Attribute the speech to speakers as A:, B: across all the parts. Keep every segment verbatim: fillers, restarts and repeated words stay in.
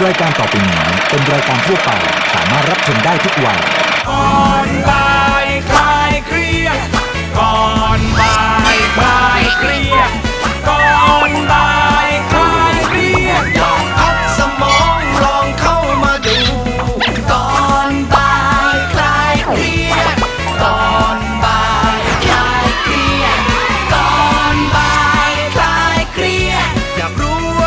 A: รายการต่อไปนี้เป็นรายการทั่วไปสามารถรับชมได้ทุกวัย
B: ก่อนบ่ายคลายเครียดก่อนบ่ายคลายเครียดก่อนบ่ายคลายเครียดลองพักสมองลองเข้ามาดูก่อนบ่ายคลายเครียดก่อนบ่ายคลายเครียดก่อนบ่ายคลายเครียดอยากรู้ว่า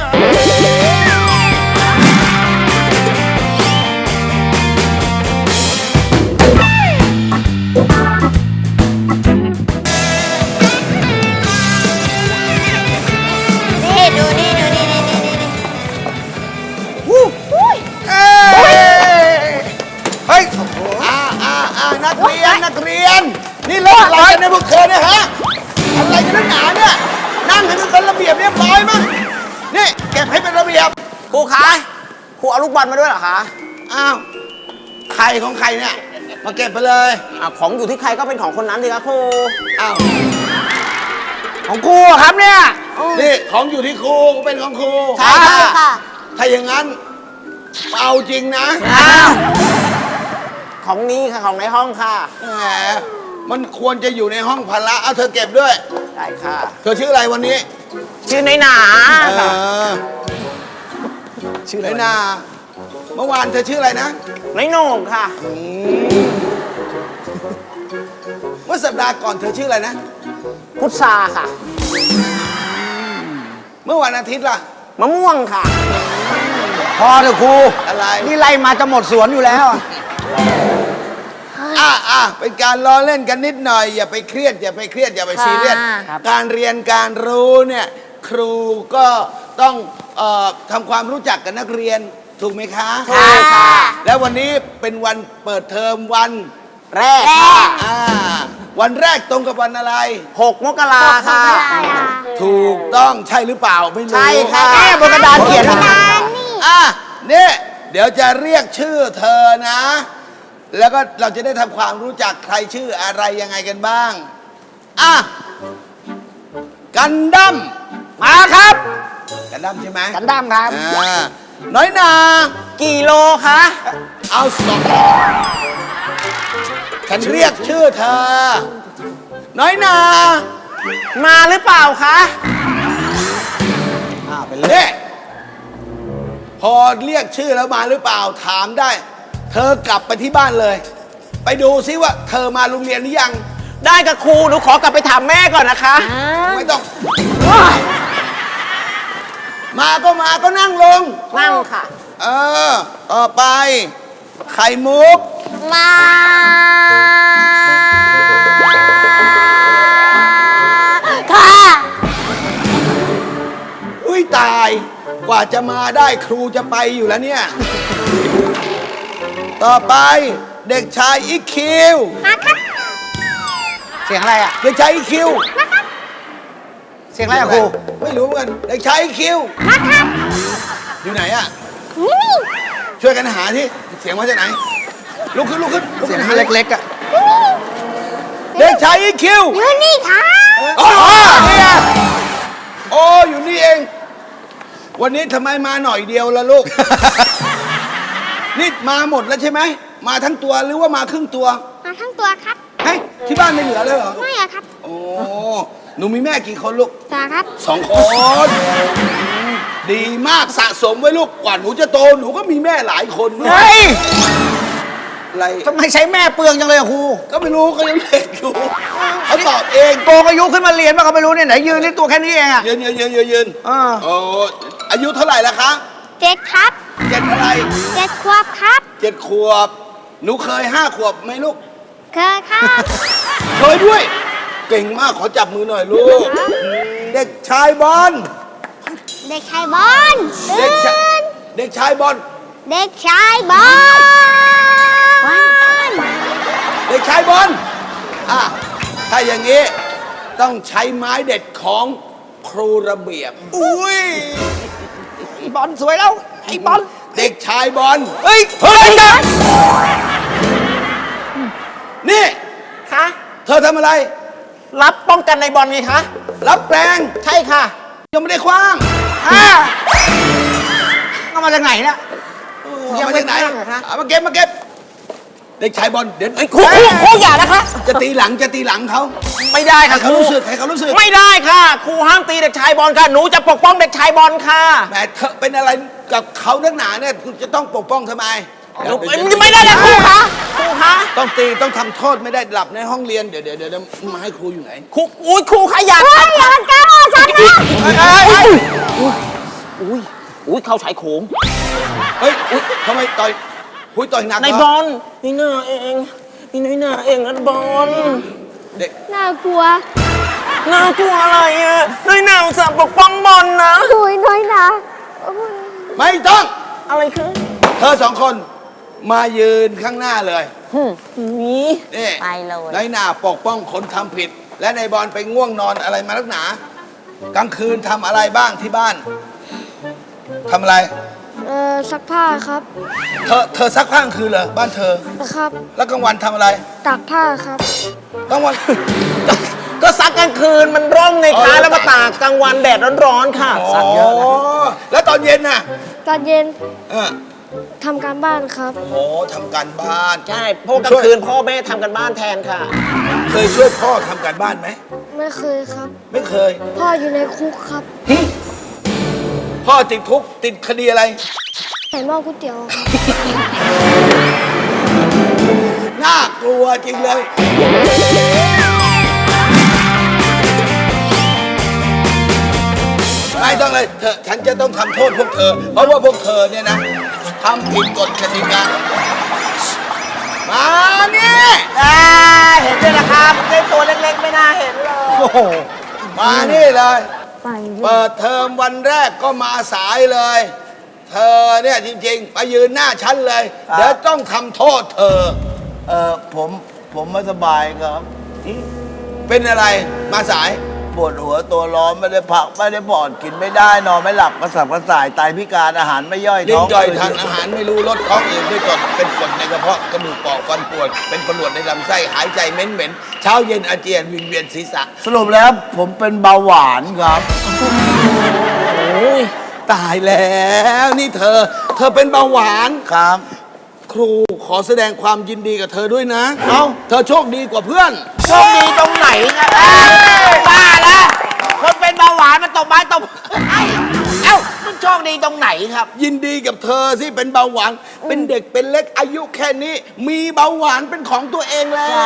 C: นี่ดูนี่ดูนี่นี่นี่นี่วู้ฮู้ยเอ้ย
D: เฮ้ยอ่าอ่าอ่านักเรียน นักเรียน นี่เล่นอะไรกันในยพวกเธอเนี่ยฮะอะไรกันนักหนาเนี่ย นั่งให้มันเป็นระเบียบเรียบร้อยมั้งนี่เก็บให้เป็นระเบียบ
E: ครูคะ ครูเอาลูกบอลมาด้วยเหรอคะ
D: อ้าว ใครของใครเนี่ย มาเก็บไปเลย
E: อ่ะของอยู่ที่ใครก็เป็นของคนนั้นสิครับครู
D: อ้าว
E: ของครูอะครับเนี่ย
D: นี่ของอยู่ที่ครูก็เป็นของครู
E: ใช่ค่ะ
C: ค่ะ
D: ถ้าอย่างนั้น เอาจริงนะ
E: อ้าวของนี้ค่ะของในห้องค่ะ
D: แหมมันควรจะอยู่ในห้องพละเอาเธอเก็บด้วย
E: ได้ค่ะ
D: เธอชื่ออะไรวันนี้
E: ชื่อในหนา
D: เอ
E: ค่ะ
D: อ
E: ชื่อ
D: ไร
E: อะไร
D: นาเมื่อวานเธอชื่ออะไรนะ
E: ในโหน่งค่ะ
D: เมื่อสัปดาห์ก่อนเธอชื่ออะไรนะ
E: พุทธาค่ะ
D: เมื่อวันอาทิตย์ล่ะ
E: มะม่วงค่ะ
F: พอเถอะครู
D: อะไร
F: นี่ไล่มาจะหมดสวนอยู่แล้วอะ
D: อ่ะอ่ะเป็นการล้อเล่นกันนิดหน่อย อย่าไปเครียด อย่าไปเครียด อย่าไปซีเรียส การเรียนการรู้เนี่ย ครูก็ต้องเอ่อทำความรู้จักกับนักเรียน ถูกไหมคะ
E: ถูกค่ะ
D: แล้ววันนี้เป็นวันเปิดเทอมวัน
E: แรกค่ะ
D: อ่า วันแรกตรงกับวันอะไร
E: หกมกราค่ะ
D: ถูกต้องใช่หรือเปล่าไม่รู้
E: ใช่ค่ะแม่บนกระดานเขียน
D: อ่ะเนี่ยเดี๋ยวจะเรียกชื่อเธอนะ แล้วก็เราจะได้ทำความรู้จักใครชื่ออะไรยังไงกันบ้าง อ่ะ กันดั้ม
E: มาครับ
D: กันดั้มใช่ไหม
E: กันดั้มครับ
D: อ่าน้อยนา
E: กี่โลคะ
D: เอาสองฉันเรียกชื่อเธอ น้อยนา
E: มาหรือเปล่าคะ
D: อ่าเป็นเลขพอเรียกชื่อแล้วมาหรือเปล่าถามได้ เธอกลับไปที่บ้านเลย ไปดูซิว่าเธอมาโรงเรียนหรือยัง
E: ได้กับครูหนูขอกลับไปถามแม่ก่อนนะคะ
D: ไม่ต้อง มาก็มาก็นั่งลง
E: นั่งค่ะ
D: เออ ต่อไป ไข่มุก
C: มาค่ะ
D: อุ้ยตาย กว่าจะมาได้ครูจะไปอยู่แล้วเนี่ย ต่อไปเด็กชายอีคิว
C: มาครับ
F: เสียงอะไรอ่ะ
D: เด็กชายอีคิว
F: เสียงอะไรอ่ะครู
D: ไม่รู้เหมือนกันเด็กชายอีคิว
C: มาครับ
D: อยู่ไหนอะ
C: นี่นี่
D: ช่วยกันหาที่เสียงมาจากไหน ลุกขึ้นลุกขึ้นลุก
F: เสีย
D: ขึ้
F: ง
D: นหา
F: เล็กๆอ่ะ
D: เด็กชายอีคิว
C: อยู่นี่ครับ
D: อ๋อนี่ไงโอ้อยู่นี่เอง วันนี้ทำไมมาหน่อยเดียวล่ะลูก นี่มาหมดแล้วใช่ไหม มาทั้งตัวหรือว่ามาครึ่งตัว
C: มาทั้งตัวครับ
D: เฮ้ยที่บ้านไม่เหลือเลยเหรอ
C: ไม่อะครับ
D: โอ้หนูมีแม่กี่คนลูก
C: จ้าครับ
D: สองคนอืมดีมากสะสมไว้ลูกกว่าหนูจะโตหนูก็มีแม่หลายคนด้วย
F: เฮ้ย
D: อะไร
F: ทำไมใช้แม่เปลืองจังเลยอะครู
D: ก็ไม่รู้ก็ยังเด็กอยู่เขาตอบเอง
F: โกงอายุขึ้นมาเรียนป่ะก็ไม่รู้เนี่ยไหนยืนนี่ตัวแค่นี้เองอ่ะ
D: ยืนยืนยืนยืนยืน
F: เออ
D: โอ้อายุเท่าไหร่ละคะ
C: เจ็ดครับ
D: เจ็ดอะไร
C: เจ็ดขวบครับ
D: เจ็ดขวบ หนูเคยห้าขวบไหมลูก
C: เคยครับ
D: เคยด้วย เก่งมากขอจับมือหน่อยลูก เด็กชายบอล
C: เด็กชายบอล
D: เด็กชาย
C: ตื่น
D: เด็กชายบอล
C: เด็กชายบอล
D: เด็กชายบอลอ่ะถ้าอย่างนี้ต้องใช้ไม้เด็ดของครูระเบียบ
F: อุ้ยไอ้บอลสวยแล้ว ไอ้บอล
D: เด็กชายบอล
F: เฮ้ย เฮ้ยนะ
D: นี่
E: คะ
D: เธอทำอะไร
E: รับป้องกันในบอลไงคะ
D: รับแปลง
E: ใช่ค่ะ
D: ยังไม่ได้คว้าง
F: อ่าทำไมมาจากไหนนะ
D: ยังไม่ไหนเอามาเก็บมาเก็บเด็กชายบอลเดี๋ยว
E: เอ้ยครูครูครูอย่านะคะ
D: จะตีหลังจะตีหลังเขา
E: ไม่ได้
D: ให้
E: ค่ะค
D: เขา
E: รู
D: รู้สึกให้เขารู้สึก
E: ไม่ได้ค่ะครูห้ามตีเด็กชายบอลค่ะหนูจะปกป้องเด็กชายบอลค่ะ
D: แหมเธอเป็นอะไรกับเขานักหนาเนี่ยคุณจะต้องปกป้องทำไม
E: หนูไม่ได้เลยครูคะครูคะ
D: ต้องตีต้องทำโทษไม่ได้หลับในห้องเรียนเดี๋ยวเดี๋ยวเดี๋ยวมาให้ครูอยู่ไหน
E: ครูอุ้ยครูคะอย่า
C: เฮ้ยอย่าแกล้งฉันนะ
E: อุ้ยอุ้ยเข้าชายโขง
D: เฮ้ยอุ๊ยทำไมต่อยพุ้ยต่อยหนักเห
E: ใน
D: ร
E: บ
D: อ
E: อลนี่หน้าเองนี่น้อยหน้าเองนะบอล
D: เด็ก
C: น่ากลัว
E: น่ากลัวอะไรอ่ะน้อยหน้าอุตส่าห์ปกป้องบอลนะ
C: ดุยน้อยนะโอ้ย
D: ไม่ต้อง
E: อะไรคือ
D: เธอสองคนมายืนข้างหน้าเลย
E: นี่
D: นี่
C: ไปเลย
D: ในหน้าปกป้องคนทำผิด และในบอลไปง่วงนอนอะไรมาลักหนา กลางคืนทำอะไรบ้างที่บ้านทำอะไร
C: เออซักผ้าครับ
D: เธอเธอซักผ้ากลางคืนเหรอบ้านเธอ
C: นะครับ
D: แล้วกลางวันทำอะไร
C: ตากผ้าครับ
D: กลางวัน
E: ก็ซักกลางคืนมันร่มไง
D: อ๋
E: คะ
D: อ
E: แล้วมาตากกลางวันแดดร้อนๆค่ะ
D: อ๋อแล้วตอนเย็นน่ะ
C: ตอนเย็น
D: เออ
C: ทำการบ้านครับ
D: โอ้ทำการบ้าน
E: ใช่เพราะกลางคืนพ่อแม่ทำกันบ้านแทนค่ะ
D: เคยช่วยพ่อทำการบ้านไหม
C: ไม่เคยครับ
D: ไม่เคย
C: พ่ออยู่ในคุกครับ
D: พ่อติดคุกติดคดีอะไร
C: ใส่หม้อก๋วยเตี๋ยวครับ
D: น่ากลัวจริงเลย ไม่ต้องเลยเธอฉันจะต้องทำโทษพวกเธอ เพราะว่าพวกเธอเนี่ยนะทำผิดกฎกติกามานี่
E: อ่าเห็นด้วยนะครับไอ้ตัวเล็กๆไม่น่าเห็นเลย
D: โอ้โหมานี่เลย
C: ไปเลย
D: เปิดเทอมวันแรกก็มาสายเลย เธอเนี่ยจริงๆมายืนหน้าฉันเลย เดี๋ยวต้องทำโทษเธอ
G: เออผมผมไม่สบายครับ
D: เป็นอะไรมาสาย
G: ปวดหัวตัวร้อนไม่ได้พักไม่ได้ผ่อนกินไม่ได้นอนไม่หลับกระสับกระส่ายไตพิการอาหารไม่ย่อย
D: ลิ้
G: ท้
D: น
G: อง
D: ย่อยทานอาหารไม่รู้ลดท้องอืดด้วยกรดเป็นกรดในกระเพาะกระดูกปอกฟันปวด เป็นประหลวดในลำไส้หายใจเหม็นเหม็นๆเช้าเย็นอาเจียนวิงเวียนศีรษะ
G: สรุปแล้วผมเป็นเบาหวานครับ
D: ตายแล้วนี่เธอ เธอเป็นเบาหวาน
G: ครับ
D: ครูขอแสดงความยินดีกับเธอด้วยนะ
G: เอ้า
D: เธอโชคดีกว่าเพื่อน
E: โชคดีตรงไหนนะบ้าแล้วคนเป็นเบาหวานมันตบไม้ตบเอ้ามันโชคดีตรงไหนครับ
D: ยินดีกับเธอที่เป็นเบาหวาน เป็นเด็กเป็นเล็กอายุแค่นี้ มีเบาหวานเป็นของตัวเองแล้ว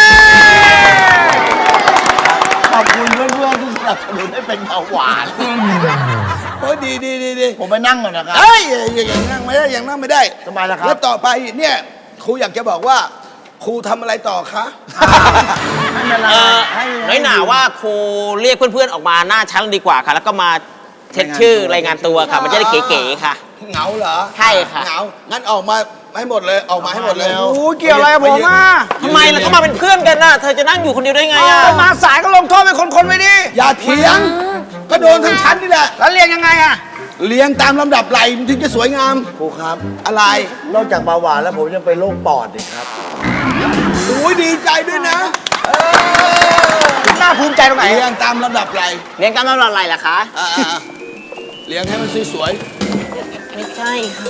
G: ขอบคุณเพื่อนๆที่สนับสนุนให้เป็นเบาหวาน
D: โอ้ยดีดีดีดี
G: ผมไปนั่งก่อนนะครับ
D: เอ้ยอย่างอย่างนั่งไม่ได้อย่างนั่งไม่ได้
G: ทำไมล่ะครับ
D: แล้วต่อไปเนี่ยครูอยากจะบอกว่า ครูทำอะไรต่อคะ
G: ไม่เป็นไร
E: เออ
G: ให้
E: น้อยหนาว่าครูเรียกเพื่อนๆออกมาหน้าชั้นดีกว่าค่ะ แล้วก็มาเช็คชื่อรายงานตัวค่ะ มันจะได้เก๋ๆค่ะ
D: เหงาเหรอ
E: ใช่ค่ะ
D: เหงางั้นออกมาให้หมดเลยออกมาให้หมดเลย
F: โอ้เกี่ยวอะไรกับผมอ่ะ
E: ทำไมล่ะก็มาเป็นเพื่อนกันน่ะ เธอจะนั่งอยู่คนเดียวได้ไงอ่ะ
F: มาสายก็ลงโทษเป็นคนๆไปดิ
D: อย่าเถียง ก็โดนทั้งชั้นนี่แหละ
F: แล้วเรียนยังไงอ่ะ
D: เลี้ยงตามลำดับไหลมันถึงจะสวยงาม
G: ครูครับ
D: อะไร
G: นอกจากเบาหวานแล้วผมยังเป็นโรคปอดอีกครับ
D: โอ้ยดีใจด้วยนะ
F: น่าภูมิใจตรงไหน
D: เลี้ยงตามลำดับไหล
E: เรียนกันมาอะไรล่ะคะ
D: อ่าๆเลี้ยงให้มันสวย
E: ไม่ใช่ค่ะ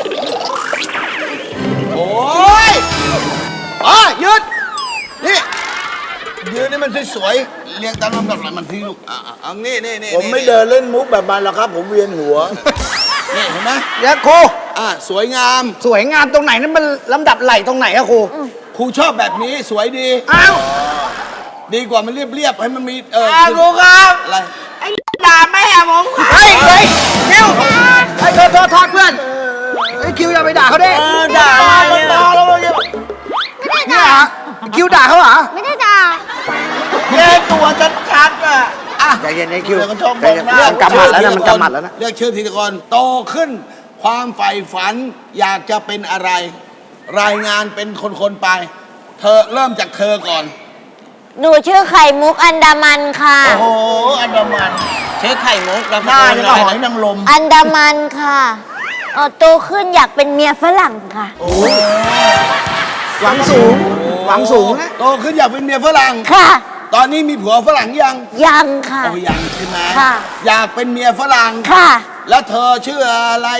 D: ๆโอ้ยอ๋อยืดนี่ยืนให้มันสวยๆเลี้ยงตามลำดับไหลมันพี่ลูกอ่าๆเอานี่นี่นี่
G: ผมไม่เดินเล่นมุกแบบมันหรอกครับ ผมเวียนหัว
D: นี่เห็นไหม
F: เดี๋ยวครู
D: อ่าสวยงาม
F: สวยงามตรงไหนนั่นมันลำดับไหลตรงไหนอะครู
D: ครูชอบแบบนี้สวยดี
F: อ้าว
D: ดีกว่ามันเรียบๆให้มันมีเออ
E: อ้าวครูครับ
D: อะไร
E: ไอ้ด่าแม่ผมค่ะ
F: เฮ้ยเฮ้ยคิวไอ้โทษโทษโทษเพื่อนไอ้คิวอย่าไปด่าเขาดิ
E: เออด่าอะไรเนี่ย
F: เนี่ยเหรอคิวด่าเขาเหรอ
C: ไม่ได้ด่า
E: แย่ตัวชัดๆอ่ะ
F: ใจเย็นไอ้คิว
G: เดี๋ยวมันชอบ
F: ใจเย็น
G: มองหน้า
F: มันกำหมัดแล้วนะมันกำหมัดแล้วนะ
D: เรียกชื่อทีละคนโตขึ้น ความใฝ่ฝันอยากจะเป็นอะไร รายงานเป็นคนๆไป เธอเริ่มจากเธอก่อน
C: หนูชื่อไข่มุกอันดามันค่ะ
G: โอ้โห อันดามัน
E: เชื้อไข่มุกแล้ว
G: หน้านี่ก็หอยนางรม
C: อันดามันค่ะเออโตขึ้นอยากเป็นเมียฝรั่งค่ะ
F: หวังสูง หวังสูงนะ
D: โตขึ้นอยากเป็นเมียฝรั่ง
C: ค่ะ
D: ตอนนี้มีผัวฝรั่งยัง
C: ยังค่ะ
D: โอ้ยังใช่ไหม
C: ค่ะ
D: อยากเป็นเมียฝรั่ง
C: ค่ะ
D: แล้วเธอชื่ออะไร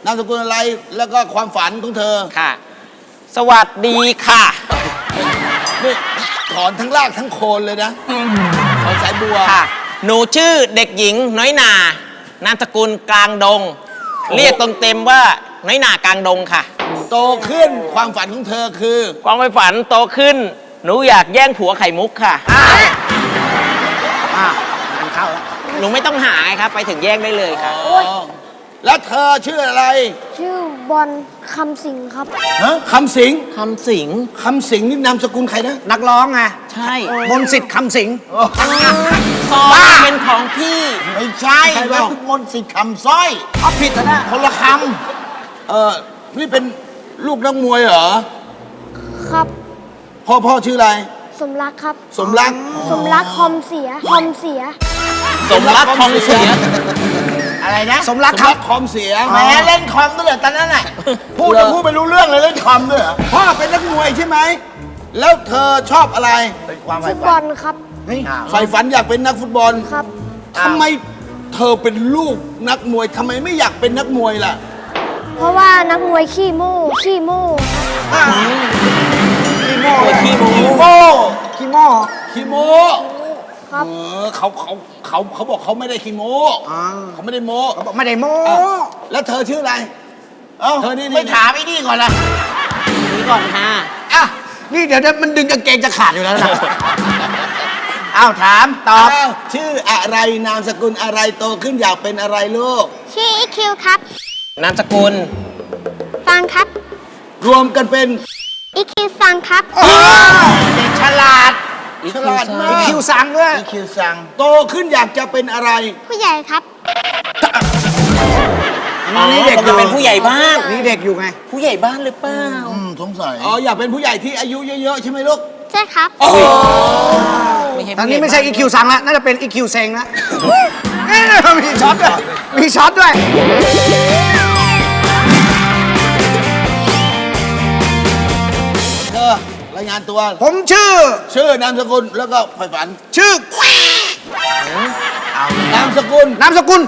D: นามสกุลอะไรแล้วก็ความฝันของเธอ
H: ค่ะ สวัสดีค่ะ
D: นี่ถอนทั้งรากทั้งโคนเลยนะถอนสายบัว
H: ค่ะ หนูชื่อเด็กหญิงน้อยนา นามสกุลกลางดง เรียกตนเต็มว่าน้อยนากลางดงค่ะ
D: โตขึ้นความฝันของเธอคือ
H: ความไปฝันโตขึ้น หนูอยากแย่งผัวไข่มุกค่ะ
F: อ่ะงานเข้าแล้ว
H: หนูไม่ต้องหาไงครับ ไปถึงแย่งได้เลยค่ะ
D: อ๋อแล้วเธอชื่ออะไร
C: ชื่อบอลคำสิงครับ
D: ฮะคำสิง
H: คำสิง
D: คำสิงนี่นามสกุลใครนะ
F: นักร้องไง
H: ใช่
F: มนต์สิทธิ์คำสิง
H: ซองเป็นของพี่
G: ไม่ใช่
D: ใช่เปล่า
G: นั่นมนต์สิทธิ์คำสร้อย
F: เอาผิดแล้วนะ
G: คนละค
D: เออนี่เป็นลูกนักมวยเหรอ
C: ครับ
D: พ่อพ่อชื่ออะไร
C: สมรักครับ
D: สมรัก
C: สมรักคอมเสีย คอมเสีย
H: สมรักทองเสีย
G: ำอะไรนะ
F: สมรัก
D: สม
F: ครั
D: รั
F: บ
D: กคอมเสีย
G: แหมเล่นคอมด้วยเหรอตอนนั้นน่ะพูดจะพูดไม่รู้เรื่องเลยเล่นคอมด้วยเหรอ
D: พ่อเป็นนักมวยใช่ไหมแล้วเธอชอบอะไร
G: เป็นความ
C: ฟุ
G: ใฝ่
C: ตบ
G: ฝั
C: อน ลครับ
D: ใฝ่ฝันอยากเป็นนักฟุตบอล
C: ครับ
D: ทำไมเธอเป็นลูกนักมวยทำไมไม่อยากเป็นนักมวยล่ะ
C: เพราะว่านักมวยขี้โม่ขี้โม่ครับ
F: ขี้โม่
H: ขี้โม้
F: ขี้โม่ขี้โม่
D: ขี้โม
C: ครับ
D: เออเขาเขาเขาเขาบอกเขาไม่ได้ขี้โม
F: อ่า
D: เขาไม่ได้โม
F: เขาบอกไม่ได้โม่
D: อ่ะแล้วเธอชื่ออะไร
G: เอ้า
D: เธอนี่นี่
G: ไม่ถามไอ้นี่ก่อนละ
H: นี่ก่อนค่ะ
F: อ่ะนี่เดี๋ยวมันดึงกางเกงจะขาดอยู่แล้วนะ
G: อ้าวถามตอบ
D: อ้าวชื่ออะไรนามสกุลอะไรโตขึ้นอยากเป็นอะไรลูก
C: ชื่ออีคิวครับ
H: นามสกุล
C: ฟังครับ
D: รวมกันเป็น
C: อีคิวฟังครับ
G: เด็กฉลาด
D: ฉลาดมา
F: มี
D: ก
F: คิวสั่งด้วย
G: อีคิวสั่ง
D: โตขึ้นอยากจะเป็นอะไร
C: ผู้ใหญ่ครับ
F: อันนี้เด็กอ
H: จะ
F: ยู่
H: เป็นผู้ใหญ่บ้าน
F: นี่เด็กอยู่ไง
H: ผู้ใหญ่บ้านหรือเปล่า
G: อืมสงสัย
D: อ๋ออยากเป็นผู้ใหญ่ที่อายุเยอะๆใช่ไหมลูก
C: ใช่ครับ
D: โอ้
H: ไม่ใช่
F: ตอน
H: ผู้
F: นี้
H: ใหญ่
F: ไม่ใช่
H: บ้า
F: อีคิวสั่งแล้วน่าจะเป็นอีคิวเซงแล้วเอ๊ะมีช็อตด้วยมีช็อตด้วย
D: เธอรายงานตัว
F: ผมชื่อ
D: ชื่อนามสกุลแล้วก็ใฝ่ฝัน
F: ชื่อน
D: ามสกุล
F: นามสกุล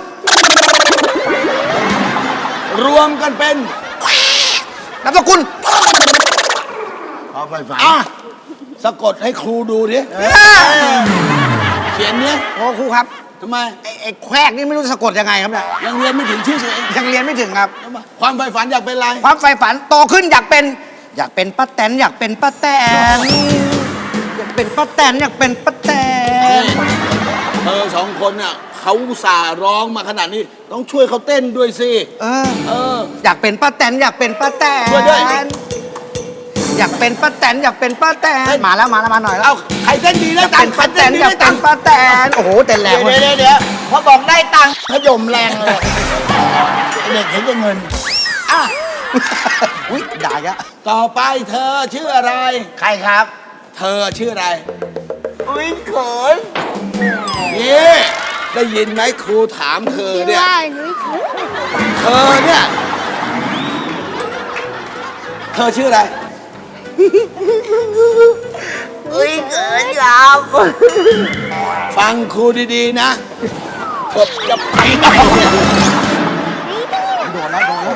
D: รวมกันเป็น
F: นามสกุล
G: เอาไปฝัน
D: อ่ะสะกดให้ครูดูดิเขียนเนี้ย
F: โอ้ครูครับ
D: ทำไม
F: ไอ้ไอ้แควกนี่ไม่รู้จะสะกดยังไงครับเนี่ย
D: ยังเรียนไม่ถึงชื่อตัวเอง
F: ยังเรียนไม่ถึงครับ
D: ทำไมความใฝ่ฝันอยากเป็นอะไร
F: ความใฝ่ฝันโตขึ้นอยากเป็น อยากเป็นป้าแตนอยากเป็นป้าแตนอยากเป็นป้าแตนอยากเป็นป้าแตน
D: เธอสองคนน่ะเขาอุตส่าห์ร้องมาขนาดนี้ ต้องช่วยเขาเต้นด้วยสิ
F: เออ
D: เออ
F: อยากเป็นป้าแตนอยากเป็นป้าแตน
D: ช่วยด้วย
F: อยากเป็นป้าแตนอยากเป็นป้าแตนมาแล้วมาแล้วมาหน่อยแล้ว
D: เอาใครเต้นดี
F: อ
D: ได้
F: ยาก
D: ตั
F: เป็
D: ง
F: น
D: ค์
F: ป้าแตน
D: ดี
F: อยาก
D: ได้
F: เป็
D: ตั
F: น
D: งค์
F: ป้าแตนโอ้โหเต้นแร
G: เดี๋
F: ง
G: ยว
F: เว้ย
G: เดี๋ยวเดี๋ยวพอบอกได้ตังค์ขยมแรงเลยเด็กเห็นแต่เงิน
D: อ่ะ
F: อุ้ยด่าอีกแล้ว
D: ต่อไปเธอชื่ออะไร
G: ใครครับ
D: เธอชื่ออะไร
G: อุ้ยเขิน
D: นี่ได้ยินไหมครูถามเธอ
C: ชื่อ
D: เนี่ย
C: ว่านุ้ยครับ
D: เธอเนี่ย เธอชื่ออะไร
G: อุ้ยเขินยาว
D: ฟังครูดีๆนะกบจะไปไหน
F: โดนแล้วโดนแล้ว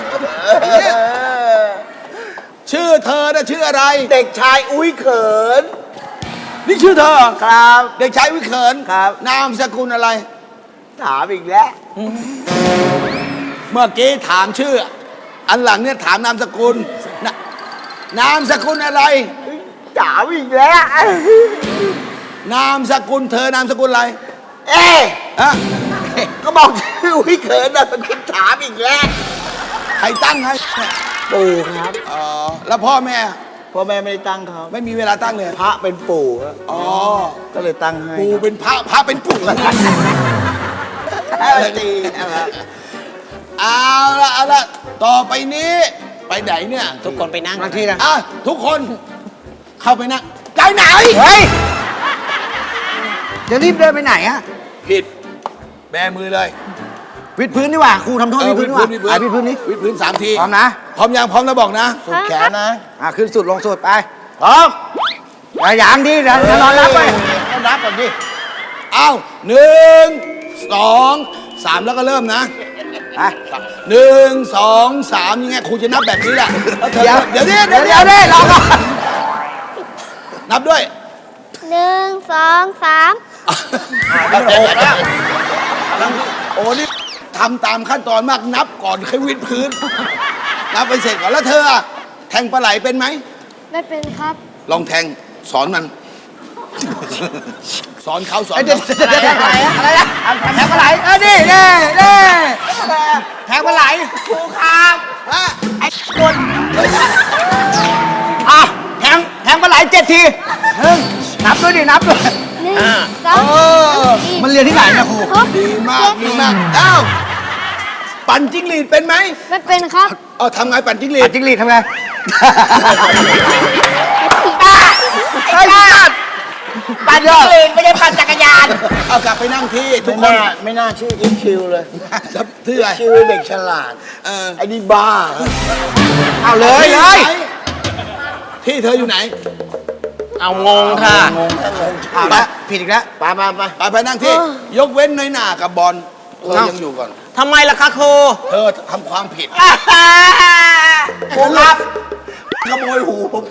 D: ชื่อเธอน่ะชื่ออะไร
G: เด็กชายอุ้ยเขิน
D: นี่ชื่อเธอ
G: ครับ
D: เด็กชายวิเขิน
G: ครับ
D: นามสกุลอะไร
G: ถามอีกแล้ว
D: เมื่อกี้ถามชื่อ อันหลังเนี่ยถามนามสกุลนะนามสกุลอะไร
G: ถามอีกแล้ว
D: นามสกุลเธอนามสกุลอะไร
G: เอ๊ะ
D: ฮะ
G: ก็บอกชื่ออุ้ยเขินนะคุณถามอีกแล้ว
D: ใครตั้งให้
G: ปู่ครับ
D: อ๋อแล้วพ่อแม่
G: พ่อแม่ไม่ได้ตั้งเขา
D: ไม่มีเวลาตั้งเลย
G: พระเป็นปู่ครับ
D: อ๋อ
G: ก็เลยตั้งให้
D: ปู่เป็นพระพระเป็นปู่
G: อะไรดีอะไร
D: เอาละเอาละต่อไปนี้ ไปไหนเนี่ย
H: ทุกคนไปนั่ง
F: บางทีนะ
D: อ่ะทุกคนเข้าไปนะใจไหน
F: เฮ้ยจะรีบเดินไปไหนอะ
D: ผิดแบมือเลย
F: วิดพื้นดีกว่าครูทำโทษ
D: เออ
F: วิดพื้นดีกว่า
D: วิดพื้น
F: อ่ะวิดพื้นนี้
D: วิดพื้นสามที
F: พร้อมนะ
D: พร้อมยังพร้อมแล้วบอกนะ
G: สุดแขนนะ
F: อ่ะขึ้นสุดลงสุดไป
G: พร้อม
F: อย่าหยางดิเดี๋ยวเดี๋ยวนอนรับไป
G: ต้องนับก่อนดิ
D: เอาหนึ่งสองสามแล้วก็เริ่มนะหนึ่งสองสามยังไงครูจะนับแบบนี้แหละแล้วเธอ
F: เดี๋ยว
D: เดี๋ยวดิ
F: เดี๋ยวเดี๋ยวเดี๋ยวรอก่อน
D: นับด้วย
C: หนึ่งสองสาม
D: โอ้นี่ทำตามขั้นตอนมากนับก่อนค่อยวิดพื้น นับไปเสร็จก่อนแล้วเธออะแทงปลาไหลเป็นไหม
C: ไม่เป็นครับ
D: ลองแทงสอนมัน สอนเขาสอน
F: เดี๋ยว
D: เขา
F: เดี๋ยวเดี๋ยวอะไรนะอะไรนะแทงปลาไหลเออนี่นี่นี่แทงปลาไหลครูครับ
D: ฮะ
F: ไอ้คนอ่ะแทงแทงปลาไหลเจ็ดทีหนึ่งนับด้วยดินับด้วย
C: หนึ่งสอง
F: เออมันเรียนที่ไหนนะครู
C: ครบ
D: ดีมากดีมากอ้าวปั่นจิ้งหรีดเป็นไหม
C: ไม่เป็นครับ
D: เออทำไงปั่นจิ้งหรี
F: ปั
D: ด
F: ดจิ้งหรีดทำไง
E: ไอ้บ้าปั่นจักรยานไม่ได้ปั่นจักรยาน
D: เอากลับไปนั่งที่ทุ
G: ไม่
D: กคน
G: น่าไม่น่าชื่ออีคิวเลย
D: ชื่ออะไร
G: ชื่อเด็กฉลาด
D: เออ
G: ไอ้นี่บ้า
F: เอาเลยเลย
D: ที่เธออยู่ไหน
H: เอางงค่ะ
G: งงแค่งง
F: อ่ะละผิดอีกแล้ว
G: ไปไปไป
D: ไปไปนั่งที่ ยกเว้นน้อยหนากับบอลเธอยังอยู่ก่อน
H: ทำไมล่ะคะครู
D: เธอทำความผิด
G: ครูครับขโมยหูผมไป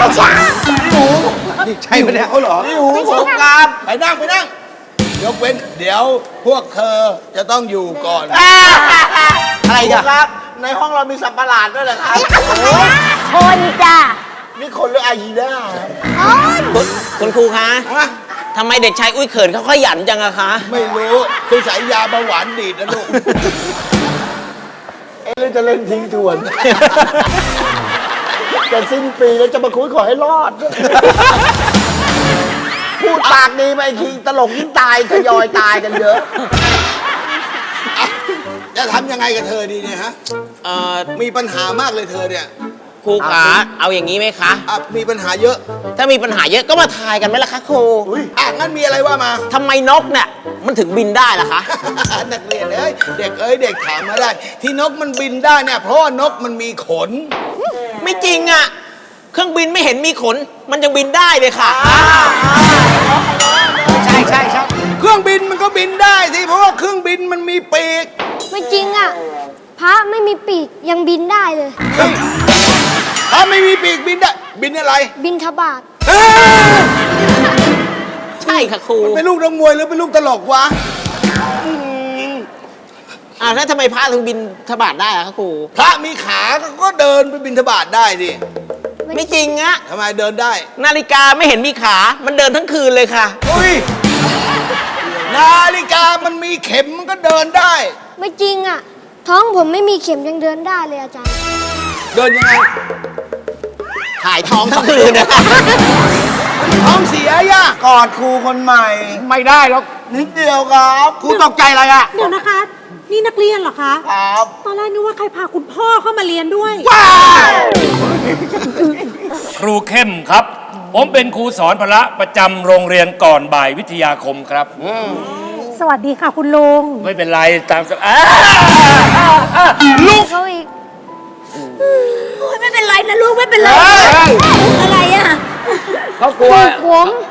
F: ใช่ไหมเนี่ย
D: เขาเหรอ
G: นี่หูผมครับ
D: ไปนั่งไปนั่ง ยกเว้น เดี๋ยวพวกเธอจะต้องอยู่ก่อน
F: อะไร
G: ครู
F: กัน
G: ครับ ในห้องเรามีสัตว์ประหลาดด้วยเหรอครับ
C: คนจ้ะ
G: นี่คนหรืออายีน่าครับ
H: คุณคุณครูคะ
D: ฮะ
H: ทำไมเด็กชายอุ้ยเขินเขาขยันจังอะคะ
D: ไม่รู้คือสายยาเบาหวานดีดนะลูก
G: เอ๊ะเราจะเล่นทิ้งทวน จะสิ้นปีแล้วจะมาคุยขอให้รอด พูดปากดีไปทีตลกยิ่งตายทยอยตายกันเยอะ
D: จะทำยังไงกับเธอดีเนี่ยฮะ
H: เอ่อ
D: มีปัญหามากเลยเธอเนี่ย
H: ครูขาเอาอย่างนี้ไหมคะ
D: อ่ะมีปัญหาเยอะ
H: ถ้ามีปัญหาเยอะก็มาทายกันไหมล่ะคะครู
D: อ่ะงั้นมีอะไรว่ามา
H: ทำไมนกเนี่ยมันถึงบินได้ล่ะคะ
D: นักเรียนเอ้ยเด็กเอ้ยเด็กถามมาได้ ที่นกมันบินได้เนี่ยเพราะว่านกมันมีขน
H: ไม่จริงอะเครื่องบินไม่เห็นมีขน มันยังบินได้เลยค่ะ
F: ใช่ใช่ใช่
D: เครื่องบินมันก็บินได้สิเพราะว่าเครื่องบินมันมีปีก
C: ไม่จริงอ่ะ พระไม่มีปีกยังบินได้เลย
D: เฮ้ยถ้าไม่มีปีกบินได้บินอะไร
C: บินทบาท
D: เอ้ย
H: ใช่ค่ะครู
D: เป็นลูกนักมวยหรือเป็นลูกตลกวะอืม
H: อ่าแล้วทำไมพระถึงบินทบาทได้อะคะครู
D: พระมีขาก็เดินไปบินทบาทได้สิ
H: ไม่จริงอะ
D: ทำไมเดินได้
H: นาฬิกาไม่เห็นมีขา มันเดินทั้งคืนเลยค่ะ
D: อุ้ยนาฬิกามันมีเข็มมันก็เดินได้
C: ไม่จริงอ่ะ ท้องผมไม่มีเข็มยังเดินได้เลยอาจารย์
D: เดินยังไง
H: ถ่ายท้องทั้งคืนนะ
D: ท้องเสียย่ะ
G: กอดครูคนใหม่
F: ไม่ได้หรอก
G: นิดเดียวครับ
F: ครูตกใจอะไรอ่ะ
I: เดี๋ยวนะคะ นี่นักเรียนเหรอคะ
G: ครับ
I: ตอนแรกนึกว่าใครพาคุณพ่อเข้ามาเรียนด้วย
J: ครูเข้มครับ ผมเป็นครูสอนพละประจำโรงเรียนก่อนบ่ายวิทยาคมครับ
I: สวัสดีค่ะคุณลุง
J: ไม่เป็นไรตามสบาย
C: ลูกเขาอีก
I: ไม่เป็นไรนะลูกไม่เป็นไร อะไรอ่ะ
F: เขากลัว
C: ผม